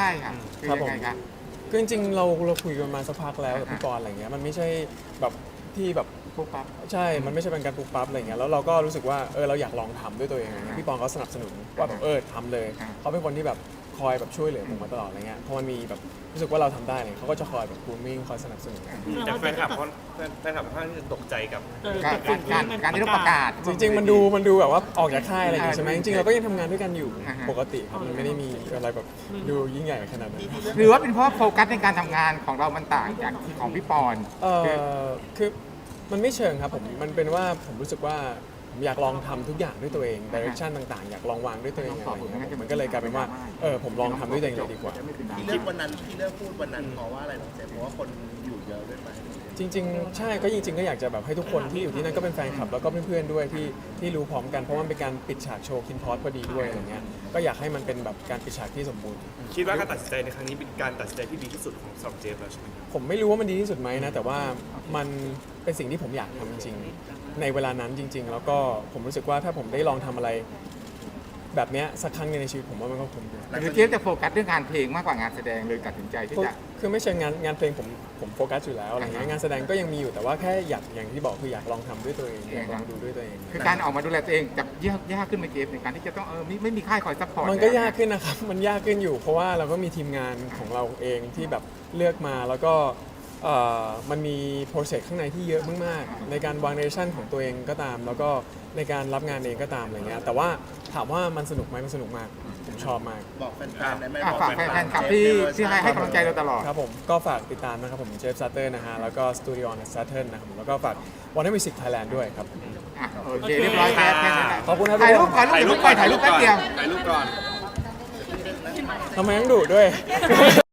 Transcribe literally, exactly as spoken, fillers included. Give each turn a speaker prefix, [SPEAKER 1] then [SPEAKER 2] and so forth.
[SPEAKER 1] ช่ค่ะคือยังไงคะ
[SPEAKER 2] คือจริงๆเราเราคุยกันมาสักพักแล้วกับพี่ปอนอะไรเงี้ยมันไม่ใช่แบบที่แบบ
[SPEAKER 1] ปุ๊บปั๊บ
[SPEAKER 2] ใช่ มันไม่ใช่เป็นการปุ๊บปั๊บอะไรเงี้ยแล้วเราก็รู้สึกว่าเออเราอยากลองทำด้วยตัวเองอะไรเงี้ยพี่ปอนเขาสนับสนุนว่าแบบเออทำเลยเขาเป็นคนที่แบบคอยแบบช่วยเหลือผมมาตลอดอะไรเงี้ยพอมันมีแบบรู้สึกว่าเราทำได้เนี่ยเขาก็จะคอยแบบกรูมมิ่งคอยสนับสนุน
[SPEAKER 3] แต่แฟนคลับเขาแฟนคลับค่อนข้างที่จะตกใจกับ
[SPEAKER 1] การการการที่ต้องประกาศ
[SPEAKER 2] จริงๆมันดูมันดูแบบว่าออกจากค่ายอะไรอย่างงี้ใช่ไหม
[SPEAKER 1] อ่า
[SPEAKER 2] จริงๆเราก็ยังทำงานด้วยกันอยู่
[SPEAKER 1] อ่าฮะ
[SPEAKER 2] ปกติครับมันไม่ได้มีอะไรแบบดูยิ่งใหญ่ขนาดนั้น
[SPEAKER 1] หรือว่าเป็นเพราะโฟกัสในการทำงานของเรามันต่างจากที่ของพี่ปอน
[SPEAKER 2] เออคือมันไม่เชิงครับผมมันเป็นว่าผมรู้สึกว่าผมอยากลองทำทุกอย่างด้วยตัวเองดิเรกชันต่างๆอยากลองวางด้วยตัวเองอะไรอย่างเงี้ยมันก็เลยกลายเป็นว่าเออผมลองทำด้วยตัวเองเลยดีกว่า
[SPEAKER 4] ที่เลือกวันนั้นที่เลือกพูดวันนั้นเพราะว่าอะไรน้องเจมส์เพราะว่าคนอยู่เยอะด้วยไหม
[SPEAKER 2] จริงๆใช่ก็จริงๆก็อยากจะแบบให้ทุกคนที่อยู่ที่นั่นก็เป็นแฟนคลับแล้วก็เพื่อนๆด้วยที่ที่รู้พร้อมกันเพราะมันเป็นการปิดฉากโชว์คินพอสพอดีด้วยอะไรเงี้ยก็อยากให้มันเป็นแบบการปิดฉากที่สมบูรณ์
[SPEAKER 3] คิดว่าการตัดสินใจในครั้งนี้เป็นการตัดสินใจที่ดีที่สุดของสำหรับเจฟแล้วใช่ไหมครับ
[SPEAKER 2] ผมไม่รู้ว่ามันดีที่สุดไหมนะแต่ว่ามันเป็นสิ่งที่ผมอยากทำจริงๆในเวลานั้นจริง ๆ แล้วก็ผมรู้สึกว่าถ้าผมได้ลองทำอะไรแบบเนี้ยสักครั้งหนึงในชีวิตผมว่ามันก็คุ้มดี
[SPEAKER 1] หรือเจฟจะโฟกัสเรื่องงานเพลงมากกว่างานแสดงเลยตัดสินใจที่จะ
[SPEAKER 2] คือไม่ใช่งานงานเพลงผมผมโฟกัสอยู่แล้วอะไรเงี้ยงานแสดงก็ยังมีอยู่แต่ว่าแค่อยากอย่างที่บอกคืออยากลองทำด้วยตัวเองอยากลองดูด้วยตัวเอง
[SPEAKER 1] คือการออกมาดูแลตัวเองจะยากยากขึ้นไหมเจฟในการที่จะต้องเออไม่ไม่มีค่ายคอยซัพพอร์ต
[SPEAKER 2] มันก็ยากขึ้นนะครับ มันยากขึ้นอยู่ เพราะว่าเราก็มีทีมงานของเราเองที่แบบเลือกมาแล้วก็เอ่อมันมีโปรเซสข้างในที่เยอะมากๆในการวางเรชั่นของตัวเองก็ตาม แล้วก็ในการรับงานเองก็ตามอะไรเงี้ยแต่ว่าถามว่ามันสนุกไหมมันสนุกมากผมชอบมาก
[SPEAKER 4] บอกแฟนๆได้ไหม
[SPEAKER 1] อ่ะ
[SPEAKER 4] บอก
[SPEAKER 1] ฝากแฟนๆคลับที่ที่ให้ให้กำลังใจเราตลอด
[SPEAKER 2] ครับผมก็ฝากติดตามนะครับผมเจฟซัตเตอร์นะฮะแล้วก็สตูดิโอนัสซัตเตอร์นะครับผมแล้วก็ฝากวันนี้มิวสิกไทยแลนด์ด้วยครับ
[SPEAKER 1] อ่ะโอเคเรียบร้อยแล้วแค่นั้นแหละ
[SPEAKER 2] ขอบคุณครับ
[SPEAKER 1] ถ่ายรูปก่อนรูปก่อนถ่ายรูปแป๊บเดียว
[SPEAKER 3] ถ่ายรูปก่อน
[SPEAKER 2] ทำไมต้องดุด้วย